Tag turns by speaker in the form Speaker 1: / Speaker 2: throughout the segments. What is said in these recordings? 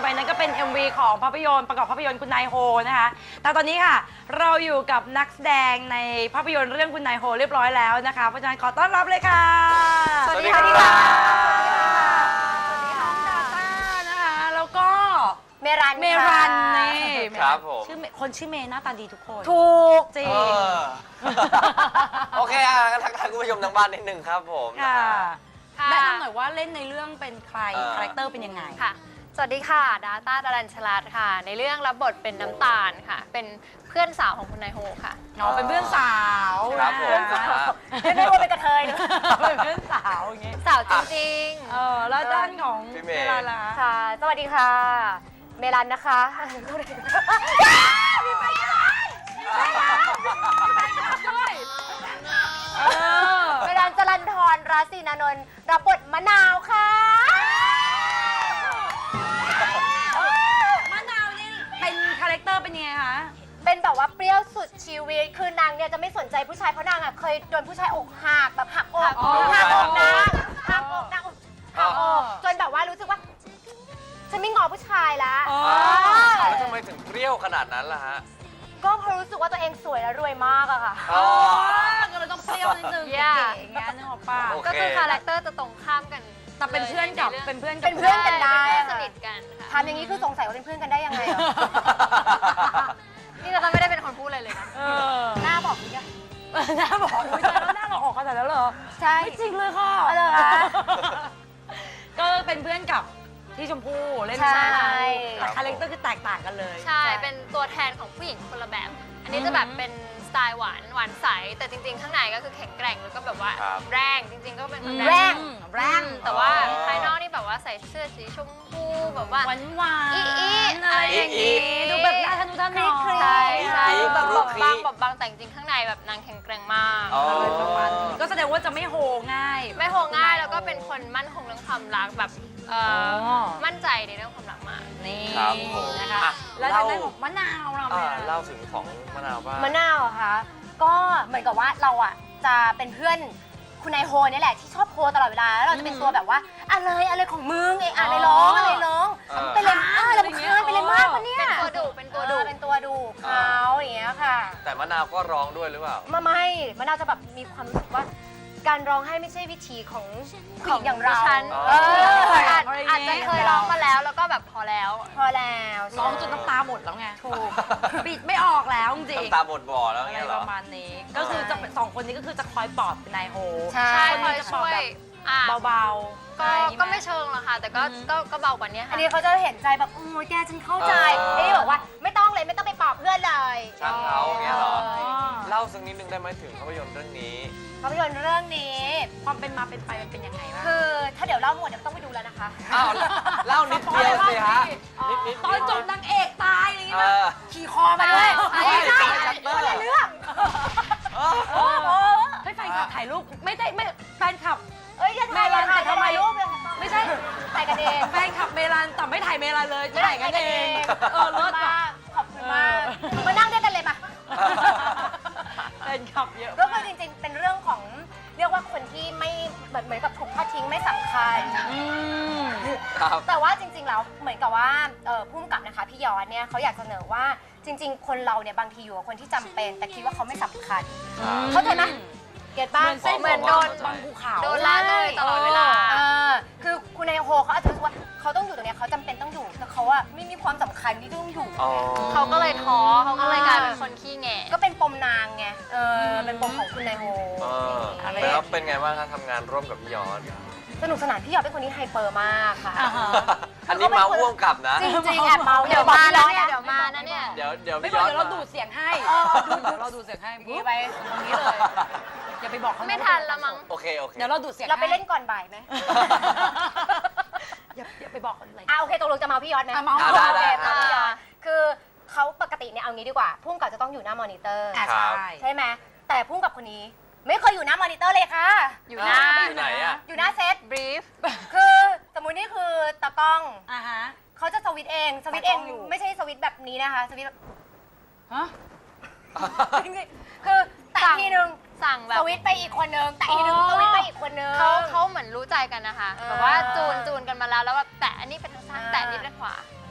Speaker 1: ไปนั้นก็เป็น MV ของภาพยนตร์ประกอบภาพยนตร์คุณนายโฮนะคะแต่ตอนนี้ค่ะเราอยู่กับนักแสดงในภาพยนตร์เรื่องคุณนายโฮเรียบร้อยแล้วนะคะเพราะฉะนั้นขอต้อนรับเลยค่ะ
Speaker 2: สวัสดีค่ะสวัสดีค่ะ
Speaker 1: น้องดาต้านะคะแล้วก็
Speaker 2: เมรัน
Speaker 1: นี่
Speaker 3: ครับผม
Speaker 1: ชื่อคนชื่อเมย์หน้าตาดีทุกคน
Speaker 2: ถูก
Speaker 1: จริง
Speaker 3: โอเคงั้นทักทายคุณผู้ชมทางบ้านนิดนึงครับผม
Speaker 1: ค่ะแนะนำหน่อยว่าเล่นในเรื่องเป็นใครคาแรคเตอร์เป็นยังไง
Speaker 2: ค่ะสวัสดีค่ะดาต้าดารัญชลาดค่ะในเรื่องรับบทเป็นน้ำตาลค่ะเป็นเพื่อนสาวของคุณนายโฮค่ะ
Speaker 1: น้องเป็นเพื่อนสาว
Speaker 3: ครับผม
Speaker 2: เป็นนายโฮเป็นกระเทยนะ
Speaker 1: เป็นเพื่อนสาวอย่างเงี้ย
Speaker 2: สาวจริง
Speaker 1: ๆแล้วด้านของ
Speaker 3: เมรันล่ะ
Speaker 2: ค่ะสวัสดีค่ะเมรันนะคะเมรันจรัญธรราศีนานนท์รับบทมะนาวค่ะ
Speaker 1: มะนาวนี่เป็นคาแรคเตอร์เป็นยังไงคะ
Speaker 2: เป็นแบบว่าเปรี้ยวสุดชีวิตคือนางเนี่ยจะไม่สนใจผู้ชายเพราะนางอ่ะเคยโดนผู้ชายอกหักแบบหักอกหักอกนางหักอกนางหักอกจนแบบว่ารู้สึกว่าฉันไม่งอผู้ชายแล้ว
Speaker 3: แล้วทำไมถึงเปรี้ยวขนาดนั้นล่ะฮะ
Speaker 2: ก็เพราะรู้สึกว่าตัวเองสวยและรวยมากอะค่ะ
Speaker 1: ก็เลยต้องเปรี้ยวนิดนึงเก๋ๆอย่างเงี้ยนึกออกป่ะ
Speaker 2: ก็คือคาแรคเตอร์จะตรงข้ามกัน
Speaker 1: แต่เป็นเพื่อนกับเป็นเพื่อน
Speaker 2: กันได้
Speaker 1: สนิท
Speaker 2: กันค่ะทำอย่างนี้คือสงสัยว่าเป็นเพื่อนกันได้ยังไงเหรอนี่เราไม่ได้เป็นคนพูดอะไรเลยนะหน้าบอกนี่
Speaker 1: หน้าบอกไม่ใช่แล้วหน้าเราออกขนาดนั้นเหรอ
Speaker 2: ใช่
Speaker 1: ไม่จริงเลยค่ะก็เป็นเพื่อนกับที่ชมพู่เล่นใช่แต่คาแรคเตอร์คือแตกต่างกันเลย
Speaker 2: ใช่เป็นตัวแทนของผู้หญิงคนละแบบอันนี้จะแบบเป็นสไตล์หวานใสแต่จริงๆข้างในก็คือแข็งแกร่งแล้วก็แบบว่าแรงจริงๆก็เป็นคนแรงแต่ว่าภายนอกนี่แบบว่าใส่เสื้อสีชมพูแบบว่า
Speaker 1: หวานอะไรอย่างงี้ดูแบบน่าทะนุถนอม
Speaker 2: ใช่แบบบางแต่จริงๆข้างในแบบนางแข็งแกร่งมาก
Speaker 1: ก็แสดงว่าจะไม่โฮง่าย
Speaker 2: แล้วก็เป็นคนมั่นคงเรื่องความรักแบบมั่นใจในเรื่องความรักมาก
Speaker 1: นี่นะคะแล้วทางด้านของมะนาวเรา
Speaker 3: เล่าถึงของมะนาวบ้าง
Speaker 2: มะนาวเหรอคะก็เหมือนกับว่าเราอ่ะจะเป็นเพื่อนคุณนายโฮนี่แหละที่ชอบโฮตลอดเวลาแล้วเราจะเป็นตัวแบบว่าอะไรของมึงอะไรร้องเป็นเลยเราเป็นเพื่อนเป็นเลยมากปะเนี่ยเป็นตัวดูเขาอย่างเงี้ยค่ะ
Speaker 3: แต่มะนาวก็ร้องด้วยหรือเปล่า
Speaker 2: ไม่มะนาวจะแบบมีความรู้สึกว่าการร้องให้ไม่ใช่วิธีของผู้หญิงอย่างเราอาจจะเคยร้องมาแล้วก็แบบพอแล้ว
Speaker 1: ร้องจนน้ำตาหมดแล้วไงถูกปิดไม่ออกแล้วจริง
Speaker 3: น้ำตาหมดบ่อแล้วไง
Speaker 1: ประมาณนี้ก็คือจะสองคนนี้ก็คือจะคอยปลอบนายโฮ
Speaker 2: ใช่คอยช่วย
Speaker 1: เบา
Speaker 2: ก็ไม่เชิงหรอกค่ะแต่ก็เบากว่านี้ค่ะอันนี้เขาจะเห็นใจแบบโอ้ยแกฉันเข้าใจไอ้บอกว่าไม่ต้องไปปลอบเพื่อนเลย
Speaker 3: ช่างเขาเงี้ยหรอเล่าสักนิดนึงได้ไหมถึงภาพยนตร์เรื่องนี้
Speaker 2: ภาพยนตร์เรื่องนี้
Speaker 1: ความเป็นมาเป็นไปมันเป็นยังไงวะ
Speaker 2: คือถ้าเดี๋ยวเล่าหมดเดี๋ยวต้องไปดูแล้วนะคะ
Speaker 3: เล่านิดเดียวสิฮะ
Speaker 1: ตอนจบนางเอกตายอะไรอย่างเงี้ยขี่คอมาด้วย
Speaker 2: คนละเรื่อง
Speaker 1: ให้แฟนคลับถ่ายรูปไม่แฟนคลับ
Speaker 2: เมลันแต่ทำไมรูป
Speaker 1: ไม่ใช่
Speaker 2: ถ่ายกันเอง
Speaker 1: แฟนคลับเมลันแต่ไม่ถ่ายเมลันเลยถ่ายกันเอง
Speaker 2: เลิศมากขอบคุณมากมานั่งด้วยกันเลยมา
Speaker 1: แฟนคลับเยอะ
Speaker 2: ก็คือจริงๆเป็นเรื่องของเรียกว่าคนที่ไม่เหมือนกับถูกทอดทิ้งไม่สำคัญแต่ว่าจริงๆแล้วเหมือนกับว่าผู้กำกับนะคะพี่ยอดเนี่ยเขาอยากเสนอว่าจริงๆคนเราเนี่ยบางทีอยู่กับคนที่จำเป็นแต่คิดว่าเขาไม่สำคัญเข้าใจไหมเก็ตบ้างเหมือนโดน
Speaker 1: บางภูเขา
Speaker 2: โดนละเลยตลอดเวลาคือคุณนายโฮเขาอาจจะรู้ว่าเขาต้องอยู่ตรงนี้เขาจำเป็นต้องอยู่แต่เขาอะไม่มีความสำคัญที่ต้องอยู่เขาก็เลยท้อเขาก็เลยกลายเป็นคนขี้แงก็เป็นปมนางไงเป็นปมของคุณนายโฮ
Speaker 3: แล้วเป็นไงบ้างคะทำงานร่วมกับพี่ยอด
Speaker 2: สนุกสนานพี่ยอดเป็นคนที่ไฮเปอร์มากค่ะ
Speaker 3: อันนี้เมาพ่วงกับนะ
Speaker 2: จริงๆแอบเมาเดี๋ยวมาแล้วเนี่ยเดี๋ยวมานะเนี่ย
Speaker 3: เดี๋ยว
Speaker 1: ไม่บอกเดี๋ยวเราดูดเสียงให้เราดูดเสียงให้
Speaker 2: นี่ไป
Speaker 1: ตรงนี้เลยอย่าไปบอกเขา
Speaker 2: ไม่ทันละมั้ง
Speaker 3: โอเค
Speaker 1: เดี๋ยวเราดูดเสียง
Speaker 2: เราไปเล่นก่อนบ่ายไหม
Speaker 1: อย่าไปบอกคนเลย
Speaker 2: โอเคตกลงจะเมาพี่ยอดไหม
Speaker 1: เมา
Speaker 3: ได้
Speaker 2: พี่ยอดคือเขาปกติเนี่ยเอางี้ดีกว่าพุ่งกับจะต้องอยู่หน้ามอนิเตอร์ใช่ไหมแต่พุ่งกับคนนี้ไม่เคยอยู่หน้ามอนิเตอร์เลยค่ะ
Speaker 3: อยู่หน้าไหนอะ
Speaker 2: อยู่หน้าเซต
Speaker 1: บรีฟ
Speaker 2: คือสมมุตินี่คือตากล้อง
Speaker 1: ฮะ
Speaker 2: เขาจะสวิตเองไม่ใช่สวิตแบบนี้นะคะสวิตคือแต่ทีนึงสั่งแบบสวิตไปอีกคนนึงแต่ทีนึงสวิตไปอีกคนนึงเขาเหมือนรู้ใจกันนะคะแบบว่าจูนกันมาแล้วแบบแต่อันนี้เป็นทางซ้ายแต่อันนี้เป็นขวา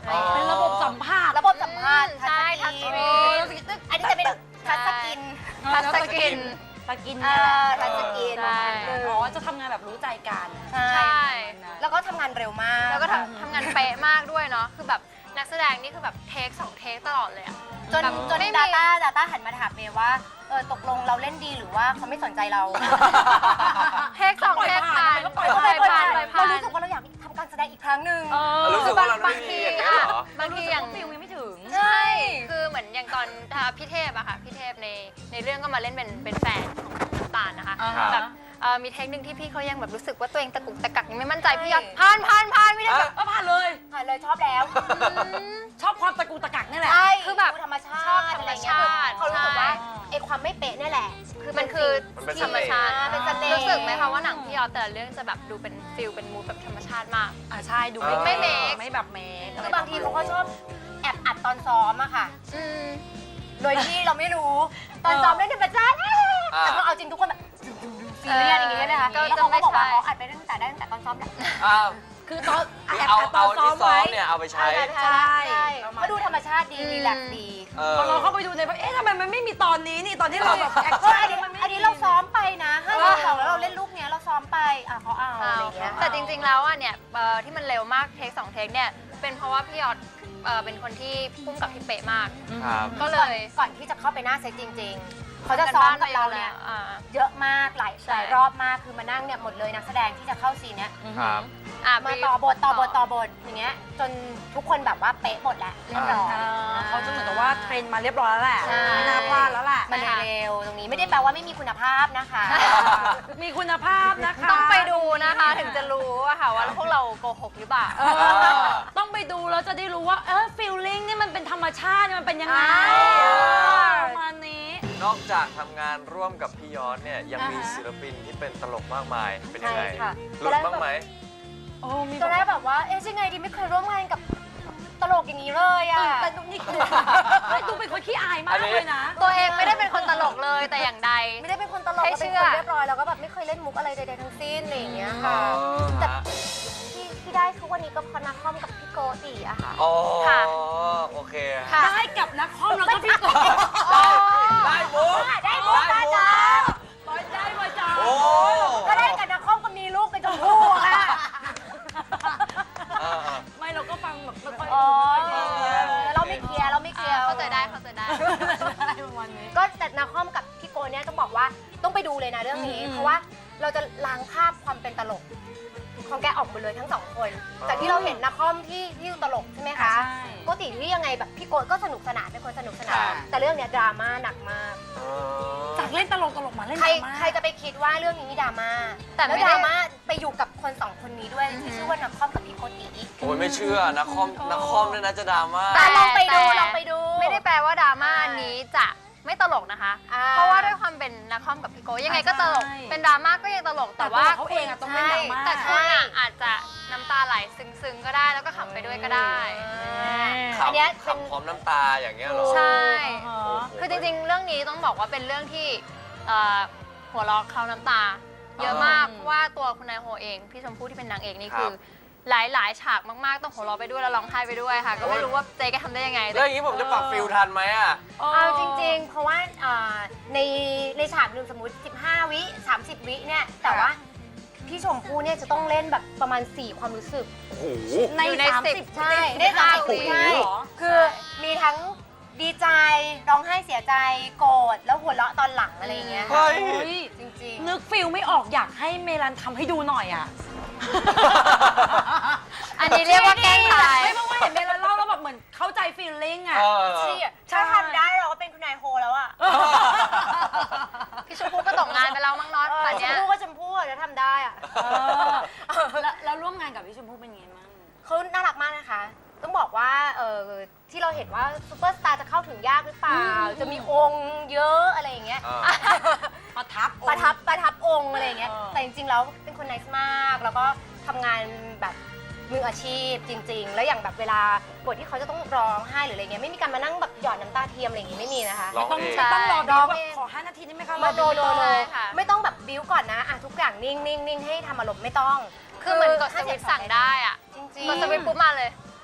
Speaker 2: อะไรอย่างเงี้ย
Speaker 1: เป็นระบบสัมภาษณ์
Speaker 2: ระบบสัมภาษณ์
Speaker 4: ใช่ทัชสกรีน
Speaker 2: อันนี้จะเป็นทัชสกิน
Speaker 4: ทัชสกิน
Speaker 1: ตะกินเนี่ยแหละ
Speaker 2: ทัชสกิน
Speaker 4: ใช่
Speaker 1: อ๋อจะทำงานแบบรู้ใจกัน
Speaker 2: ใช่
Speaker 4: ใช่
Speaker 2: แล้วก็ทำงานเร็วมาก
Speaker 4: แล้วก็ทำงานเป๊ะมากด้วยเนาะคือแบบนักแสดงนี่คือแบบเทค2 เทคตลอดเลยอะ
Speaker 2: จน
Speaker 4: แบบ
Speaker 2: จน
Speaker 4: ไม่มี
Speaker 2: Data หันมาถามเมย์ว่าตกลงเราเล่นดีหรือว่าเขาไม่สนใจเรา
Speaker 4: เทค2 เทคผ่าน
Speaker 1: ก็ปล่อย
Speaker 2: ก็
Speaker 1: ผ่าน
Speaker 2: เลย
Speaker 4: ผ่าน
Speaker 2: เรารู้สึกว่าเราอยากทำการแสดงอีกครั้งหนึ่ง
Speaker 3: รู้สึกว่าเราไม่ดีอย่างเงี้ยเหรอ
Speaker 4: บางทีอย่าง
Speaker 1: ฟิลยังไม่ถึง
Speaker 2: ใช่
Speaker 4: คือเหมือนอย่างตอนพี่เทพอะค่ะพี่เทพในเรื่องก็มาเล่นเป็นแฟนของน้ำตาลนะคะ
Speaker 1: อ่าฮะ
Speaker 4: แบบมีเทคหนึ่งที่พี่เขายังแบบรู้สึกว่าตัวเองตะกุกตะกักยังไม่มั่นใจพี่ยอดผ่านไม่ได้แบบ
Speaker 1: ก็ผ่านเลย
Speaker 2: ผ่านเลยชอบแล้ว
Speaker 1: ชอบความตะกูตะกักนี่แหละ
Speaker 2: ใช่
Speaker 4: คือแบบ
Speaker 2: ดูธรรมชาติ
Speaker 4: ชอบธรรมชาติ
Speaker 2: เขารู้สึกว่า
Speaker 1: ใช่
Speaker 2: ไอ้ความไม่เป๊ะนี่แหละ
Speaker 4: คือมันคือ
Speaker 3: มันเป็น
Speaker 4: ธรรมชาติ
Speaker 2: เป็นเสน่ห์
Speaker 4: รู้สึกไหมคะว่าหนังพี่ยอดแต่ละเรื่องจะแบบดูเป็นฟิลเป็นมูดแบบธรรมชาติมาก
Speaker 1: ใช่ดูไม่
Speaker 4: ไม่เมค
Speaker 1: ไม่แบบเมค
Speaker 2: คือบางทีเขาก็ชอบแอบอัดตอนซ้อมอะค่ะ
Speaker 4: อืม
Speaker 2: โดยที่เราไม่รู้ ตอนซ้อมเล่นธรรมชาติแต่พอเอาจริงทุกคนแบบซีเรียสอย่างเงี้ยนะคะ
Speaker 4: ก็
Speaker 2: แล้ว
Speaker 4: จะ
Speaker 2: เขา
Speaker 4: ไม่
Speaker 2: ก็บอกว่า
Speaker 4: ใช่
Speaker 2: เขาอัดไปตั้งแต่ตอนซ้อมแหละ
Speaker 3: อ้าว
Speaker 1: คือตอน
Speaker 3: คือ
Speaker 1: แอบ
Speaker 3: เอา
Speaker 1: อัดตอนซ้อ
Speaker 3: ที่
Speaker 1: ม
Speaker 3: ซ้อ
Speaker 1: ไว้
Speaker 3: มเนี่ยเอาไปใช้
Speaker 1: ใช่
Speaker 2: เขาดูธรรมชาติดีรีแลกซ์ดี
Speaker 1: พอเราเข้าไปดูในแบบทำไมมันไม่มีตอนนี้นี่ตอนที่เราแบบแอค
Speaker 2: เออ
Speaker 1: ชั่น
Speaker 2: อันนี้เราซ้อมไปนะ5 2แล้วเราเล่นลูกเนี้ยเราซ้อมไปเขาเอาอะไรอย่างเงี้ย
Speaker 4: แต่จริงๆแล้วอ่ะเนี่ยที่มันเร็วมากเทค2 เทคเนี่ยเป็นเพราะว่าพี่ยอดเป็นคนที่พุ่มกับที่เป๊ะมาก
Speaker 3: ครับ
Speaker 4: ก็เลย
Speaker 2: ก่อนที่จะเข้าไปหน้าเซตจริง ๆ เขาจะซ้อมกับเราเนี่ย
Speaker 4: อ่า
Speaker 2: เยอะมากหลาย
Speaker 4: ใช่
Speaker 2: รอบมากคือมานั่งเนี่ยหมดเลยนักแสดงที่จะเข้าซีนเนี้ย
Speaker 3: ครับ
Speaker 2: มาต่อบทอย่างเงี้ยจนทุกคนแบบว่าเป๊ะหมดแล้วเรียบร้อย
Speaker 1: เขาจะเหมือนกับว่าเทรนมาเรียบร้อยแล้วแหละ
Speaker 2: ใช่
Speaker 1: ไม่น่าพลาดแล้วแหละ
Speaker 2: มันเร็วตรงนี้ไม่ได้แปลว่าไม่มีคุณภาพนะคะ
Speaker 1: มีคุณภาพนะคะ
Speaker 4: ต้องไปดูนะคะถึงจะรู้อะค่ะว่าพวกเราโกหกหรือเปล่า
Speaker 1: ต้องไปดูแล้วจะได้รู้ว่าฟีลลิ่งนี่มันเป็นธรรมชาติมันเป็นยังไงประมาณนี้
Speaker 3: นอกจากทำงานร่วมกับพี่ยอดเนี่ยยังมี
Speaker 1: อ่าฮะ
Speaker 3: ศิลปินที่เป็นตลกมากมายเป็นยังไง
Speaker 2: ใช่ค่ะ
Speaker 3: หลุดบ้างไหม
Speaker 1: โอ้มี
Speaker 2: ตอนแรกแบบว่ายังไงดีไม่เคยร่วมงานกับตลกอย่างนี้เลยอ่ะ
Speaker 1: แต่ดูนี่คือดูเป็นคนขี้อายมากเลยนะ
Speaker 4: ตัวเองไม่ได้เป็นคนตลกเลยแต่อย่างใด
Speaker 2: ไม่ได้เป็นคนตลก
Speaker 4: ให้
Speaker 2: เรา
Speaker 4: เชื่
Speaker 2: เป็น
Speaker 4: อ
Speaker 2: คนเรียบร้อยแล้วก็แบบไม่เคยเล่นมุกอะไรใดๆทั้งสิ้นอะไรอย่างเงี้ย
Speaker 3: อ๋
Speaker 2: ค่ะ
Speaker 3: อ
Speaker 2: แต่
Speaker 3: ฮะ
Speaker 2: ที่ได้ทุกวันนี้ก็เพราะนักคอมกับพี่โกติอะค่ะ
Speaker 3: อ๋อ
Speaker 4: ค่ะ
Speaker 3: โอเค
Speaker 4: ค่ะ
Speaker 1: ได้กับนักคอมแล้วก็พี่กบ
Speaker 3: ได้มุก
Speaker 2: ได้มุกได้จ้า
Speaker 1: ร้อยได้มาจ้า
Speaker 3: โอ้
Speaker 2: ก็ได้กับนักคอมก็มีลูกเป็นชมพู่อะค่ะ
Speaker 3: อ่า
Speaker 1: ไม่เราก็ฟังแบบไม่ค่อย
Speaker 2: อ๋อ
Speaker 1: ดูไม่ค่อยดี
Speaker 2: เราไม่เคลียร์เราไม่เคลียร์
Speaker 4: เข้าใจได้
Speaker 1: อะไรประมาณนี้
Speaker 2: ก็แต่นักคอมกับพี่โกเนี่ยต้องบอกว่าต้องไปดูเลยนะเรื่องนี้ เพราะว่าเราจะล้างภาพความเป็นตลกของแกออกหมดเลยทั้งสองคนจากที่เราเห็นนักคอมที่ตลกใช่ไหมคะ
Speaker 1: ใช่
Speaker 2: ปกติที่ยังไงแบบพี่โกก็สนุกสนานเป็นคนสนุกสนา
Speaker 1: ค่ะ
Speaker 2: นแต่เรื่องเนี้ยดราม่าหนักมาก
Speaker 3: อ๋อ
Speaker 1: จากเล่นตลกมาเล่น
Speaker 2: ใคร
Speaker 1: ดราม่า
Speaker 2: ใครจะไปคิดว่าเรื่องนี้มีดราม่า
Speaker 4: แต่ไม่
Speaker 2: แล้ว
Speaker 4: ได้
Speaker 2: ดราม่าไปอยู่กับคนสองคนนี้ด้วยที่ชื่อว่านักคอมกับพี่โกติ
Speaker 3: โอ้ยไม่เชื่อนักคอมเนี่ยนะจะดราม่า
Speaker 2: แต่ลองไปดู
Speaker 4: แต่
Speaker 2: ลองไปดู
Speaker 4: ไม่ได้แปลว่าดราม่านี้จะไม่ตลกนะคะ
Speaker 2: อ่า
Speaker 4: เพราะว่าด้วยความเป็นนักคอมกับพี่โกยังไงก็ตลก
Speaker 1: ใช่
Speaker 4: เป็นดราม่าก็ยังตลก แต่ว่า
Speaker 1: เขาเองอะต้องเล่นดราม่า
Speaker 4: แต่คุณอะอาจจะน้ำตาไหลซึ้งๆก็ได้แล้วก็ขำไปด้วยก็ได้
Speaker 2: อันเนี้ยเป็น
Speaker 3: ขำพร้อมน้ำตาอย่างเงี้ยเหรอ
Speaker 4: ใช่
Speaker 1: อ๋อ
Speaker 4: คือจริงๆ เรื่องนี้ต้องบอกว่าเป็นเรื่องที่หัวเราะเคล้าน้ำตา เยอะมากเพราะว่าตัวคุณนายโฮเองพี่ชมพู่ที่เป็นนางเอกนี่คือหลายๆ ฉากมากๆ ต้องหัวเราะไปด้วยแล้วร้องไห้ไปด้วยค่ะ ก็ไม่รู้ว่าเจ๊แกทำได้ยังไง
Speaker 3: แล้วอย่างนี้ผมจะปรับฟิลทันไหมอ่ะ
Speaker 2: เอาจริงๆ เพราะว่าในฉากหนึ่งสมมติ 15 วิ 30 วิเนี่ย แต่ว่าพี่ชมพู่เนี่ยจะต้องเล่นแบบประมาณ 4 ความรู้สึก
Speaker 3: โอ้โห
Speaker 4: อยู่ใน
Speaker 2: ใช่
Speaker 4: 10
Speaker 2: ได้30
Speaker 4: วิ
Speaker 2: ใช่คือมีทั้งดีใจ ร้องไห้เสียใจ โกรธ แล้วหัวเราะตอนหลังอะไรอย่างเงี้ย
Speaker 3: เฮ้
Speaker 2: ค่ะ
Speaker 3: ย
Speaker 1: เฮ้ย
Speaker 2: จริง
Speaker 1: นึกฟิลไม่ออกอยากให้เมลันทำให้ดูหน่อยอ่ะ
Speaker 4: อันนี้เรียกว่าแกล้งตาย
Speaker 1: ไม่เพราะว่าเห็นเมลันเล่าแล้วแบบเหมือนเข้าใจฟีลลิ่งอ่ะ
Speaker 3: เออ
Speaker 2: ๆที่ถ้าทำได้เราก็เป็นคุณนายโฮแล้วอะ
Speaker 4: พี่ชมพู่ก็ตกงานไปแล้วมั้งน็อตป่าน
Speaker 2: ช
Speaker 4: เนี้
Speaker 2: ม
Speaker 4: ย
Speaker 2: พู่ก็ชมพู่อะจะทำได้อะ
Speaker 1: แล้วร่วมงานกับพี่ชมพู่เป็นไงบ้าง
Speaker 2: เขาน่ารักมากนะคะ ต้องบอกว่าที่เราเห็นว่าซูเปอร์สตาร์จะเข้าถึงยากหรือเปล่า จะมีองค์เยอะอะไรอย่างเงี้ย
Speaker 1: ประทับ
Speaker 2: ประทับองค์อะไรอย่างเงี้ย
Speaker 1: เออ
Speaker 2: แต่จริงๆแล้วเป็นคนไนส์มาก แล้วก็ทำงานแบบมืออาชีพจริง ๆ แล้วอย่างแบบเวลาบทที่เขาจะต้องร้องไห้หรืออะไรเงี้ยไม่มีการมานั่งแบบหยอดน้ำตาเทียมอะไรอย่างงี้ไม่มีนะคะ
Speaker 3: ร้อง
Speaker 1: ต้อง
Speaker 3: เอง
Speaker 4: ใช่
Speaker 1: ต้องรอ
Speaker 2: ร้
Speaker 1: ดู
Speaker 2: อง
Speaker 1: แบบ
Speaker 2: เอง
Speaker 1: ขอ5 นาทีได้ไหมคะ
Speaker 2: มาโดน
Speaker 4: ใช่ค่ะ
Speaker 2: ไม่ต้องแบบบิ้วก่อนนะทุกอย่างนิ่งๆให้ทำอารมณ์ไม่ต้อง
Speaker 4: คือเหมือนกดสวิตช์สั่งได้อะ
Speaker 2: จริง
Speaker 4: กดสวิตช์ปุ๊บมาเลย
Speaker 1: อ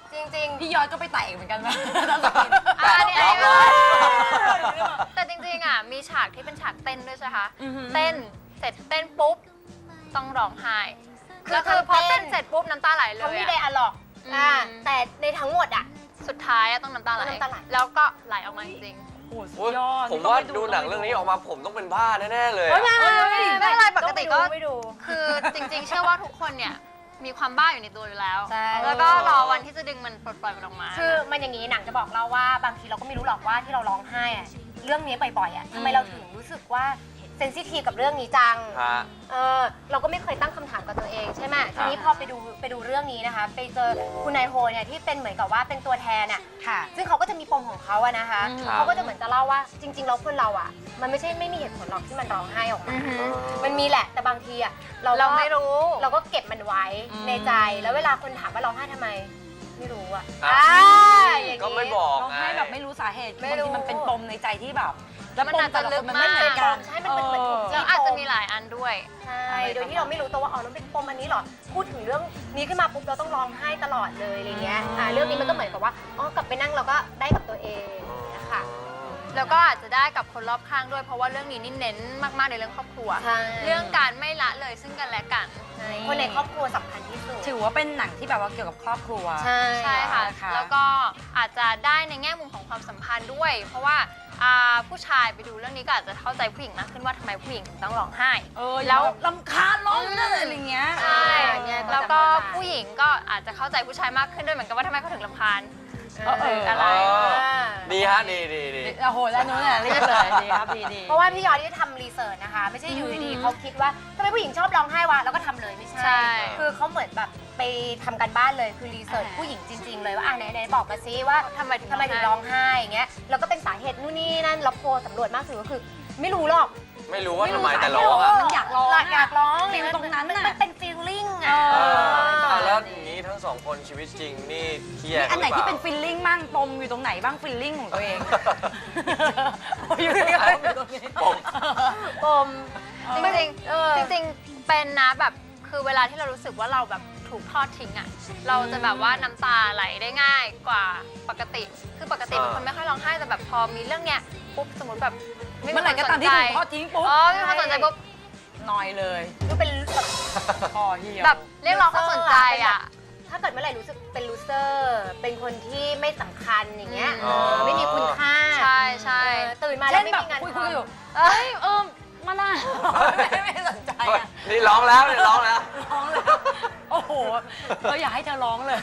Speaker 2: จริงๆ
Speaker 1: พี่ยอดก็ไปไต่เหมือนกันนะ
Speaker 4: เนี่ย
Speaker 3: ร้องเลย
Speaker 4: แต่จริงๆอ่ะมีฉากที่เป็นฉากเต้นด้วยใช่ไหมคะ
Speaker 1: อือหือ
Speaker 4: เต้นเสร็จเต้นปุ๊บต้องร้องไห้
Speaker 2: คือ
Speaker 4: แล้วคือพอ
Speaker 2: เต้
Speaker 4: เต้
Speaker 2: น
Speaker 4: นเสร็จปุ๊บน้ำตาไหลเล
Speaker 2: เขา
Speaker 4: ย
Speaker 2: ไม่
Speaker 4: อะ
Speaker 2: ได้อะล็อก
Speaker 4: อืม
Speaker 2: แต่ในทั้งหมดอ่ะ
Speaker 4: สุดท้ายอะต้องน้ำตาไหล
Speaker 2: น้ำตาไหล
Speaker 4: แล้วก็ไหลออกมาจริง
Speaker 1: โอ้โหสุ
Speaker 3: โอ้
Speaker 1: ด
Speaker 3: ย
Speaker 1: ยอด
Speaker 3: ผมว่าดูหนังเรื่องนี้ออกมาผมต้องเป็นบ้าแน่ๆเลย
Speaker 2: เฮ้ย
Speaker 3: อะ
Speaker 4: ไม่เป็นไรปกติก็
Speaker 2: ไม่ดู
Speaker 4: ๆ คือจริงๆ เชื่อว่าทุกคนเนี่ยมีความบ้าอยู่ในตัวอยู่แล้ว
Speaker 2: ใช่
Speaker 4: แล้วก็รอวันที่จะดึงมันปลดปล่อยมันออกมา
Speaker 2: คือมันอย่างนี้หนังจะบอกเราว่าบางทีเราก็ไม่รู้หรอกว่าที่เราร้องไห้อะเรื่องนี้บ่อยๆอ่ะทำไมเราถึงรู้สึกว่าเซนซิทีฟกับเรื่องนี้จัง
Speaker 3: ฮะ
Speaker 2: เราก็ไม่เคยตั้งคำถามกับตัวเองใช่ไหมทีนี้พอไปดูเรื่องนี้นะคะ ไปเจอคุณนายโฮเนี่ยที่เป็นเหมือนกับว่าเป็นตัวแทนอ่ะ
Speaker 1: ค่ะ
Speaker 2: ซึ่งเขาก็จะมีปมของเขาอะนะคะ
Speaker 1: ครับ
Speaker 2: เขาก็จะเหมือนจะเล่าว่าจริงๆแล้วคนเราอะมันไม่ใช่ไม่มีเหตุผลหรอกที่มันร้องไห้ออกมา
Speaker 4: อือหือ
Speaker 2: มันมีแหละแต่บางทีอะ
Speaker 4: เราไม่รู้
Speaker 2: เราก็เก็บมันไว้
Speaker 1: อืม
Speaker 2: ในใจแล้วเวลาคนถามว่าร้องไห้ทำไม ไม่รู้อะ
Speaker 3: อ่ะ
Speaker 2: อย่าง
Speaker 3: ก็
Speaker 2: นี้
Speaker 3: ไม่บอก
Speaker 1: ร้อง
Speaker 3: ไง
Speaker 1: ไห้แบบไม่รู้สาเหตุ
Speaker 2: ไม่
Speaker 1: บาง
Speaker 2: รู้
Speaker 1: ทีมันเป็นปมในใจที่แบบ แล้ว
Speaker 4: มัน
Speaker 1: ปม
Speaker 4: อาจจะ
Speaker 1: แต่ละคนมันไม่
Speaker 4: ลึกมาก
Speaker 1: เหมือนกัน
Speaker 2: ใช่มันเป็นเหมือนถูก
Speaker 4: แล้วอาจจะมีหลายอันด้วย
Speaker 2: ใช่โดยที่เราไม่รู้ตัวว่าอ๋อมันเป็นปมอันนี้เหรอพูดถึงเรื่องนี้ขึ้นมาปุ๊บเราต้องร้องไห้ตลอดเลยอะไรเงี้ยเรื่องนี้มันก็เหมือนกับว่าอ๋อกลับไปนั่งเราก็ได้กับตัวเองนะคะ
Speaker 4: แล้วก็อาจจะได้กับคนรอบข้างด้วย เพราะว่าเรื่องนี้นี่เน้นมากๆในเรื่องครอบครัว
Speaker 2: ใช่
Speaker 4: เรื่องการไม่ละเลยซึ่งกันและกัน
Speaker 2: คนในครอบครัวสำคัญที่สุด
Speaker 1: ถือว่าเป็นหนังที่แบบว่าเกี่ยวกับครอบครัว
Speaker 2: ใช่
Speaker 4: ใช่ค่ะ
Speaker 1: ค่ะ
Speaker 4: แล้วก็อาจจะได้ในแง่มุมของความสัมพันธ์ด้วย เพราะว่าผู้ชายไปดูเรื่องนี้ก็อาจจะเข้าใจผู้หญิงมากขึ้นว่าทำไมผู้หญิงถึงต้องร้องไห้
Speaker 1: แล้วลำคาญร้องนั่นอะไรอย่างเงี้ย
Speaker 4: ใช่
Speaker 2: เนี่ย
Speaker 4: แล้วก็
Speaker 2: เข้าใจ
Speaker 4: ผู้หญิงก็อาจจะเข้าใจผู้ชายมากขึ้นด้วยเหมือนกันว่าทำไมเขาถึงรำคาญ
Speaker 1: อะไร
Speaker 3: ดีฮะดีดีดี
Speaker 1: โอ้โหแล้วนู้นน่ะรีบเลยดีครับดีดี
Speaker 2: เพราะว่าพี่ยอดที่ทำรีเสิร์ชนะคะ ไม่ใช่อยู่ดีๆเขาคิดว่าทำไมผู้หญิงชอบร้องไห้วะแล้วก็ทำเลยไม่ใช่
Speaker 4: ใช่
Speaker 2: คือเขาเหมือนแบบไปทำกันบ้านเลยคือรีเสิร์ชผู้หญิงจริง ๆ เลยว่าไหนบอกมาซิว่า
Speaker 4: ทำไมถึง
Speaker 2: ร้องไห้อย่างเงี้ยแล้วก็เป็นสาเหตุนู่นนี่นั่นเราโพลสำรวจมากสุดก็คือ ไม่รู้หรอก
Speaker 3: ไม่รู้ว่าทำไมแต่ร้องอะ
Speaker 1: มันอยากร้อง
Speaker 2: อยากร้อง
Speaker 1: ฟิลตรงนั้นน่ะ
Speaker 2: มันเป็นฟีลลิ่ง
Speaker 1: เอ
Speaker 2: อ่ะ
Speaker 3: แล้วอย่างนี้ทั้งสองคนชีวิตจริงนี่เครียด
Speaker 1: อันไหน
Speaker 3: รือ
Speaker 1: ที่
Speaker 3: ป
Speaker 1: เป็น
Speaker 3: ล่า
Speaker 1: ฟิลลิ่งมั่งปมอยู่ตรงไหนบ้างฟิลลิ่งของตัวเองอยู่ตรงนี้
Speaker 2: ปม
Speaker 4: จริงๆจริงๆเป็นนะแบบคือเวลาที่เรารู้สึกว่าเราแบบถูกทอดทิ้งอ่ะเราจะแบบว่าน้ำตาไหลได้ง่ายกว่าปกติ คือปกติเป็นคนไม่ค่อยร้องไห้แต่แบบพอมีเรื่องเนี้ยปุ๊บสมมติแบบไม่
Speaker 1: เมื่
Speaker 4: มี
Speaker 1: อไหร่
Speaker 4: ค
Speaker 1: ก็
Speaker 4: นส
Speaker 1: ตาม
Speaker 4: น
Speaker 1: ที่
Speaker 4: ใจ
Speaker 1: ถูกทอดทิ้งปุ๊บ
Speaker 4: อ๋อไม่มีคนสนใจปุ๊บ
Speaker 1: นอยเลย
Speaker 2: ดูเป็นแบบ
Speaker 1: คอเหี่ยว
Speaker 4: แบบเรียกร้องความสนใจอ่ะ
Speaker 2: ถ้าเกิดเมื่อไหร่รู้สึกเป็นลูเซอร์ เป็นคนที่ไม่สำคัญอย่างเงี้ย
Speaker 3: อ๋อ
Speaker 2: ไม่มีคุณค่า
Speaker 4: ใช่ใช่
Speaker 2: ตื่นมาแล้
Speaker 1: เช่
Speaker 2: วน ไม่
Speaker 1: แบบ
Speaker 2: มีงาน
Speaker 1: คุย
Speaker 2: ทำ
Speaker 1: อยู่เอ้ยมาน่าไม่สนใจ
Speaker 3: เฮ้ย
Speaker 1: อะ
Speaker 3: นี่ร้องแล้วนี่ร้องแล้ว
Speaker 1: ร้องเลยโอ้โหเราอยากให้เธอร้องเลย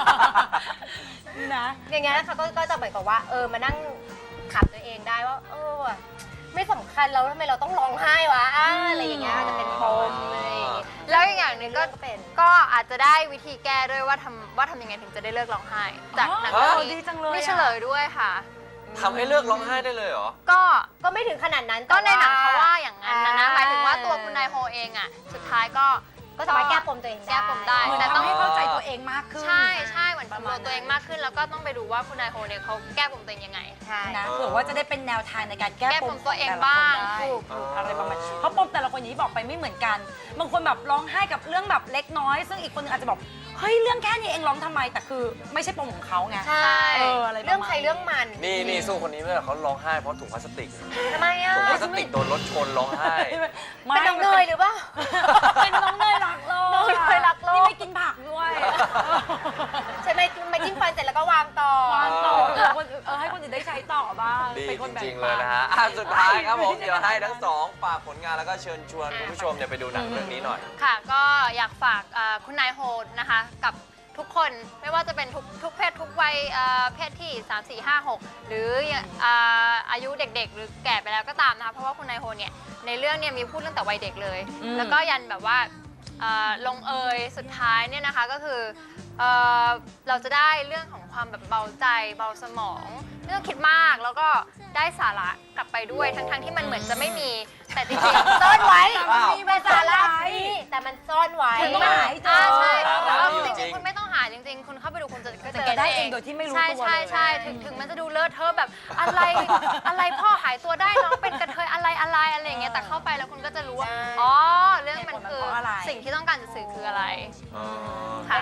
Speaker 1: นะ
Speaker 2: อย่างเงี้ยค่ะก็จะเหมือนกับว่ามานั่งขับตัวเองได้ว่าว่ะไม่สำคัญแล้วทำไมเราต้องร้องไห้วะอะไรอย่างเงี้ยจะเป็นปมอะไรอย่างเงี้ย
Speaker 4: แล้วอีกอย่างหนึ่งก็
Speaker 2: ก็เป็น
Speaker 4: ก็อาจจะได้วิธีแก้ด้วยว่าทำยังไงถึงจะได้เลิกร้องไห้จากหนัง
Speaker 1: อ๋อ
Speaker 4: เรื่อง
Speaker 1: ดี
Speaker 4: นี้
Speaker 1: จังเลย
Speaker 4: มี
Speaker 1: อะ
Speaker 4: เฉลยด้วยค่ะ
Speaker 3: ทำให้เลิกร้องไห้ได้เลยเหรอ
Speaker 2: ก็ไม่ถึงขนาดนั้น
Speaker 4: ก็ใน
Speaker 2: แต่
Speaker 4: หนังเขาว่าอย่างนั้นนะ หมายถึงว่าตัว
Speaker 2: อ่
Speaker 4: คุณนายโฮเองอ่ะสุดท้ายก็
Speaker 2: ก็สามารถแก้ปมตัวเองได้
Speaker 4: แก้ปมได้
Speaker 1: เหมือน
Speaker 4: แต่ต้อง
Speaker 1: ทำให้เข้าใจตัวเองมากขึ้น
Speaker 4: ใช่เหมือนปรับตัวเองมากขึ้น แล้วก็ต้องไปดูว่าคุณนายโฮเนี่ยเขาแก้ปมตัวเองยังไง
Speaker 2: ใช่
Speaker 1: นะเผื่อว่าจะได้เป็นแนวทางในการแก้
Speaker 4: แก้
Speaker 1: ป
Speaker 4: ป
Speaker 1: ม
Speaker 4: มตัวเอง
Speaker 1: ขแต่ละคน
Speaker 4: บ้าง
Speaker 1: ได้
Speaker 2: ถูก
Speaker 1: อะไรประมาณเพราะปมแต่ละคนอย่างที่บอกไปไม่เหมือนกัน บางคนแบบร้องไห้กับเรื่องแบบเล็กน้อย ซึ่งอีกคนนึงอาจจะบอกเฮ้ยเรื่องแค่นี้เองร้องทำไมแต่คือไม่ใช่ปมของเขาไง
Speaker 2: ใช่
Speaker 1: อะไรประมาณ
Speaker 2: เรื่องใครเรื่องมัน
Speaker 3: นี่สู้คนนี้ไม่ได้เขาร้องไห้เพราะถุงพลาสติก
Speaker 2: ทำไมอ่ะ
Speaker 3: ถุงพลาสติกโดนรถชนร้องไห้
Speaker 2: เป็นน้องเนยหรือเปล่า
Speaker 1: เป็นน้องเนยรักโลก
Speaker 2: น้องเนยรักโลก
Speaker 1: นี่ไม่กินผักด้วย
Speaker 2: ใช่ไหมไม่จิ้มฟันเสร็จแล้วก็วางต่อ
Speaker 1: วางต่อให้คนอื่นได้ใช้ต่อบ้าง
Speaker 3: ดี
Speaker 1: เป็นคน
Speaker 3: จ
Speaker 1: แบ่ง
Speaker 3: ริงๆ
Speaker 1: ปั
Speaker 3: เลยนะฮะสุดท้ายครับผมเดี๋ยวให้ทั้งสองฝากผลงานแล้วก็เชิญชวนคุณผู้ชมเนี่ยไปดูหนังเรื่องนี้หน่อย
Speaker 4: ค่ะก็อยากฝากคุณนายโฮนะคะกับทุกคนไม่ว่าจะเป็นทุกเพศทุกวัยเพศที่ 3 4 5 6 หรืออายุเด็กๆ หรือแก่ไปแล้วก็ตามนะคะเพราะว่าคุณนายโฮเนี่ยในเรื่องเนี่ยมีพูดตั้งแต่วัยเด็กเลย แล้วก็ยันแบบว่าลงเอยสุดท้ายเนี่ยนะคะก็คือเราจะได้เรื่องของความแบบเบาใจเบาสมองไม่ต้องคิดมากแล้วก็ได้สาระกลับไปด้วยทั้งที่มันเหมือนจะไม่มีแต่จริงๆ
Speaker 2: ซ่อนไว้
Speaker 3: อ้าว
Speaker 2: มีเป็นสาระนี่แต่มันซ่อนไว้
Speaker 1: คุณต้องหาให้เจอ
Speaker 4: ใช่
Speaker 3: สาระ
Speaker 4: แล้ว
Speaker 3: มีอยู่
Speaker 4: จ
Speaker 3: จริ
Speaker 4: ริง
Speaker 3: ง
Speaker 4: ๆคุณไม่ต้องหาจริงๆ คุณเข้าไปดูคุณจะ
Speaker 1: จะแกะได้เองโดยที่ไม่รู้ตัวเลย
Speaker 4: ใช่ถึงมันจะดูเลอะเทอะแบบอะไรพ่อหายตัวได้น้องเป็นกระเทยอะไรอย่างเงี้ยแต่เข้าไปแล้วคุณก็จะรู้ว่าอ๋อเรื่องมันคือสิ่งที่ต้องการจะสื่อคืออะไร
Speaker 3: อ๋อ
Speaker 4: ค่ะ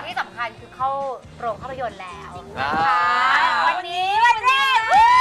Speaker 2: ที่สำคัญคือเข้าโรงภาพยนตร์แล้ว
Speaker 3: อ่า
Speaker 2: วันนี้วันแรก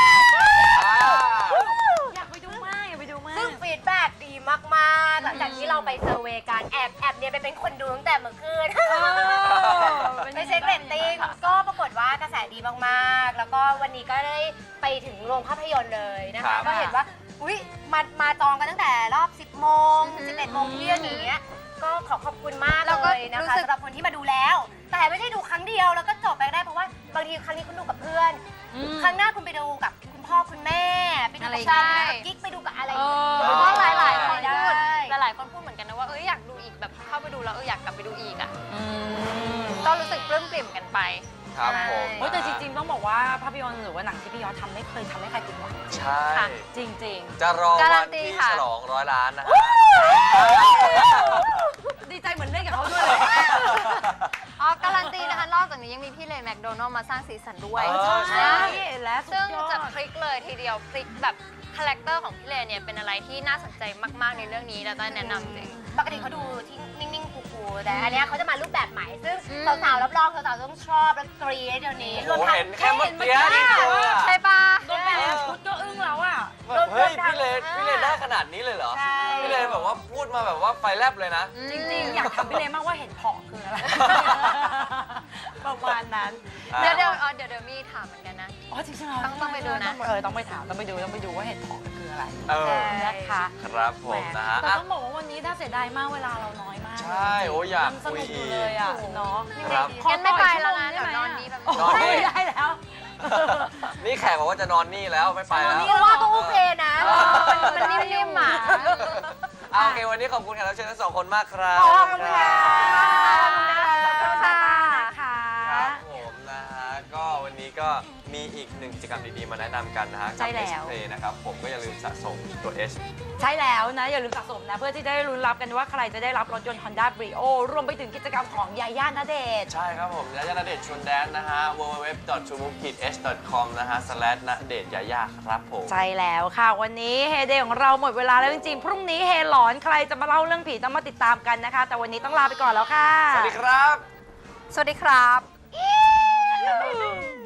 Speaker 1: อยากไปดูมากอยากไปดูมาก
Speaker 2: ซึ่งฟีดแบ็กดีมากๆหลังจากที่เราไปเซอร์เวย์การแอบเนี่ยไปเป็นคนดูตั้งแต่เมื่อคืน ไปเช็คเรตติ้งก็ปรากฏว่ากระแสดีมากๆ แล้วก็วันนี้ก็ได้ไปถึงโรงภาพยนตร์เลยนะ
Speaker 3: ครั
Speaker 2: คะ
Speaker 3: บ
Speaker 2: ก็เห็นว่าอุ๊ยมาจองกันตั้งแต่รอบ 10 โมง 11 โมงเที่ยงอย่างเงี้ยก็ขอบคุณมาก
Speaker 4: แล้วก็
Speaker 2: เลยนะ
Speaker 4: รู้
Speaker 2: คะ
Speaker 4: สึก
Speaker 2: สำหรับคนที่มาดูแล้ว แต่ไม่ใช่ดูครั้งเดียวแล้วก็จบไปได้เพราะว่าบางทีครั้งนี้คุณดูกับเพื่อน ครั้งหน้าคุณไปดูกับคุณพ่อคุณแม่ไปดูกับแฟนไปดูกับกิ๊กไปดูกับอะไรอย่างเงี้ย
Speaker 4: เพราะหลายๆคน
Speaker 2: ได้
Speaker 4: พูดหลายๆคนพูดเหมือนกันนะว่าอยากดูอีกแบบเข้าไปดูแล้วอยากกลับไปดูอีกอ่ะก็รู้สึกปลื้มปริ่มกันไป
Speaker 3: ครับผม
Speaker 1: โอ้ยแต่จริงๆต้องบอกว่าภาพยนตร์หรือว่าหนังที่พี่ยอดทำไม่เคยทำให้ใครผิดหวัง
Speaker 3: ใช่
Speaker 4: ค่ะ
Speaker 1: จริง
Speaker 3: จะรอ
Speaker 4: การั
Speaker 3: วัน
Speaker 4: นตี
Speaker 3: ที่
Speaker 4: ค่ะ
Speaker 3: ฉลอง100 ล้านนะฮะ
Speaker 1: ๆ ดีใจเหมือนเล่นกับเขาด้วยเลย
Speaker 4: อ๋อการันตีนะคะนอกจากนี้ยังมีพี่เลนแมคโดนัลล์มาสร้างสีสันด้วย
Speaker 3: เออ
Speaker 1: ใช่และสุ
Speaker 4: ซึ่
Speaker 1: ด
Speaker 4: ง
Speaker 1: ยอ
Speaker 4: จะ
Speaker 1: ด
Speaker 4: พลิกเลยทีเดียวพลิกแบบคาแรคเตอร์ของพี่เลนเนี่ยเป็นอะไรที่น่าสนใจมากๆในเรื่องนี้แล้วต้แนะนำจริง
Speaker 2: ปกติเขาดูที่นิ่งๆคูลๆแต่อันเนี้ยเขาจะมารูปแบบใหม่ ซึ่ง
Speaker 4: อืม
Speaker 2: สาวๆรับรองสาวๆต้องชอบและกรี๊ดเดี๋ยวนี้
Speaker 3: โอ้โหเห็นแค่เมื่อกี้
Speaker 1: เห็
Speaker 3: นี่
Speaker 1: นเมื่อกี้
Speaker 3: เลยอะ
Speaker 4: ใช่ปะ
Speaker 1: โดนไปแล้วชุดก็อึ้งแล้วอ่ะ
Speaker 3: แบบเฮ้ยพี่เลนได้ขนาดนี้เลยเหรอ
Speaker 2: ใช่
Speaker 3: พี่เลนแบบว่าพูดมาแบบว่าไฟแลบเลยนะ
Speaker 1: จริงๆ อยากทำพี่เลมากว่าเห็นผองคืออะไร ประมาณนั้น
Speaker 4: เดี๋ยวมีถามเหมือนกันนะ
Speaker 1: อ๋อจริงๆเรา
Speaker 4: ต้องไปดูนะ
Speaker 1: ต้องไปถามต้องไปดูว่าเห็ดผองคืออะไร
Speaker 3: เออ
Speaker 1: นะคะ
Speaker 3: ครับผมนะฮะ
Speaker 1: แต่
Speaker 3: อ่ะ
Speaker 1: ต้องบอกว่าวันนี้น่าเสียดายมากเวลาเราน้อยมาก
Speaker 3: ใช่โอ้อยาก
Speaker 1: งส
Speaker 3: คุย
Speaker 1: นุกอยู่
Speaker 3: อี
Speaker 1: เลย
Speaker 3: ก
Speaker 1: อ่ะเนาะ
Speaker 3: ครับ
Speaker 4: งั้นไม่ไปแล้วนะเดี๋ยวนอนนี้แบบ
Speaker 1: โอ้ยไม่ได้แล้ว
Speaker 3: นี่แขกบอกว่าจะนอนนี่แล้วไม่ไปแล้ว
Speaker 2: เพราะว่าก็โอเคนะ
Speaker 4: มันนิ่มๆอ่ะ
Speaker 3: เอาโอเควันนี้ขอบคุณแขกรับเชิญทั้งสองคนมากครับ
Speaker 2: ขอบคุณค่ะ
Speaker 1: ขอบคุณค่ะนะคะ
Speaker 3: ครับผมนะฮะก็วันนี้ก็มีอีกหนึ่งกิจกรรมดีๆมาแนะนำกันนะฮะ
Speaker 1: ใช่แล้ว
Speaker 3: เพลนะครับผมก็อย่าลืมสะสมตัว H
Speaker 1: ใช่แล้วนะ อย่าลืมสะสมนะ เพื่อที่จะได้ลุ้นรับกันว่าใครจะได้รับรถยนต์ Honda Brio รวมไปถึงกิจกรรมของยาย่าณเดชน์
Speaker 3: ใช่ครับผมยาย่าณเดชน์ชวนแดนนะฮะ www.trumove-h.com นะฮะ/ณเดชน์ยาย่าครับผม
Speaker 1: ใช่แล้วค่ะ วันนี้เฮเดย์ของเราหมดเวลาแล้วจริงๆ พรุ่งนี้เฮหลอนใครจะมาเล่าเรื่องผีต้องมาติดตามกันนะคะ แต่วันนี้ต้องลาไปก่อนแล้วค่ะ
Speaker 3: สวัสดีครับ
Speaker 4: สวัสดีครับ